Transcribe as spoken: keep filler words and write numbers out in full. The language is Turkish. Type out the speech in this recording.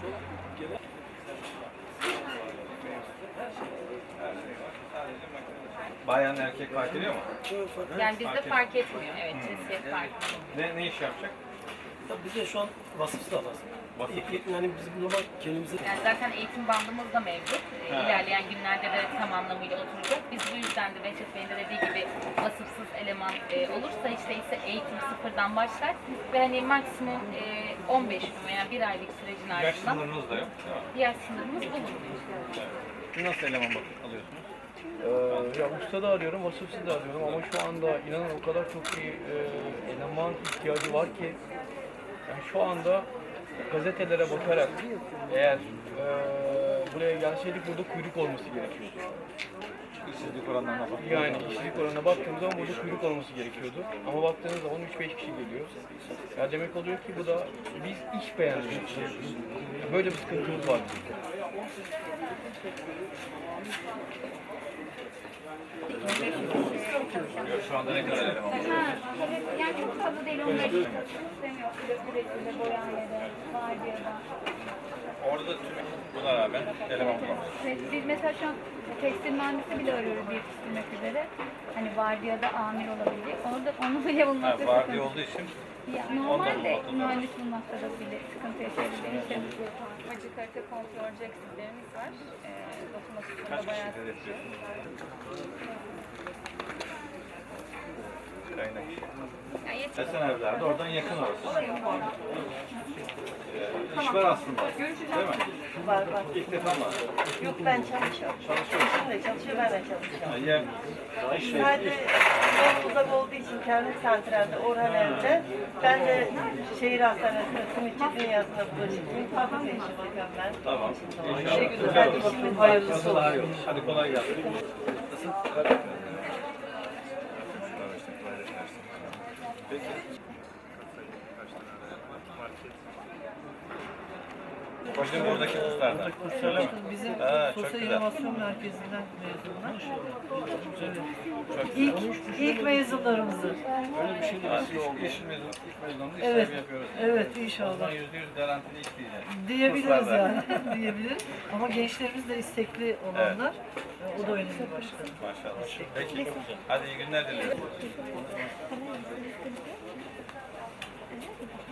Bayan erkek fark ediyor mu? Yani bizde Fark fark etmiyor. Evet, Hmm. cinsiyet fark etmiyor. Ne, ne iş yapacak? Tabii bizde şu an vasıfsız da fazla. Vasıfsız. Yani bizim normal kendimize... Yani zaten eğitim bandımız da mevcut. Ee, Ha. İlerleyen günlerde de tam anlamıyla oturacak. Biz bu yüzden de Behçet Bey'in de dediği gibi vasıfsız eleman e, olursa işte ise eğitim sıfırdan başlar ve hani maksimum e, on beş gün veya bir aylık sürecin Yaş ardından sınırınız da yok değil mi? diğer sınırımız bulunmuyor. Evet. Siz nasıl eleman bak alıyorsunuz? Ee, ya usta da arıyorum, vasıfsız da arıyorum ama şu anda inanın o kadar çok iyi e, eleman ihtiyacı var ki yani şu anda gazetelere bakarak eğer e, buraya gelseydik burada kuyruk olması gerekiyordu. İşsizlik oranlarına bak. Yani işsizlik oranına baktığımız zaman burada kuyruk olması gerekiyordu. Ama baktığınız zaman üç beş kişi geliyor. Ya demek oluyor ki bu da biz iş beğenmiyoruz. Böyle bir sıkıntımız var bizim. Şu anda ne kadar eleman var? Yani çok fazla değil, on beş istemiyor. Üretimde, boyanmada, vardiyada. Orada da tüm buna rağmen eleman bulamıyoruz. Evet, biz mesela şu an tekstil mühendisi bile arıyoruz yetiştirmek üzere. Hani vardiyada amir olabilecek. Orada onu bile Ha, bulmakta vardiya sıkıntı. olduğu için Ya, Ondan normalde bulmakta zor. mühendis bulmakta da bile sıkıntı yaşayabildiği için. Acı kalite kontrol eksiklerimiz var. Ee, dokunmasında kaç bayağı kişi hedefliyorsunuz? Kaynak işi. yani yetiyor. Esen evlerde oradan yakın orası. Ee, iş var aslında. Değil mi? Var var. İlk defa var. Yok ben çalışıyorum. Çalışıyorsun. Eşim de çalışıyor, ben de çalışıyorum. Ya, iş Sadece çok uzak olduğu için kendi santralde, Orhan Ev'de. Ben de şehir hastanesinde simitçi dünyasına bulaşıklıyım. Fabrika işi bakıyorum ben. tamam. İnşallah. Şey güzel, işimiz hayırlısı olsun. Hadi kolay gelsin. Nasıl? Peki. Hocam oradaki kurslardan. Öyle mi? Bizim Ha, çok Sosyal güzel. İnovasyon Merkezi'nden mezunlar. Çok İlk, ilk mezunlarımızdır. Öyle bir şey değil. İş, iş mezunu, ilk mezununda iş Evet, sahibi yapıyoruz. evet inşallah. Oradan yüzde yüz garantili iş diyeceğiz. Diyebiliriz Kurslardan. yani, diyebiliriz. Ama gençlerimiz de istekli olanlar, o da önemli başkanım. Maşallah. Peki. Hadi iyi günler diliyorum.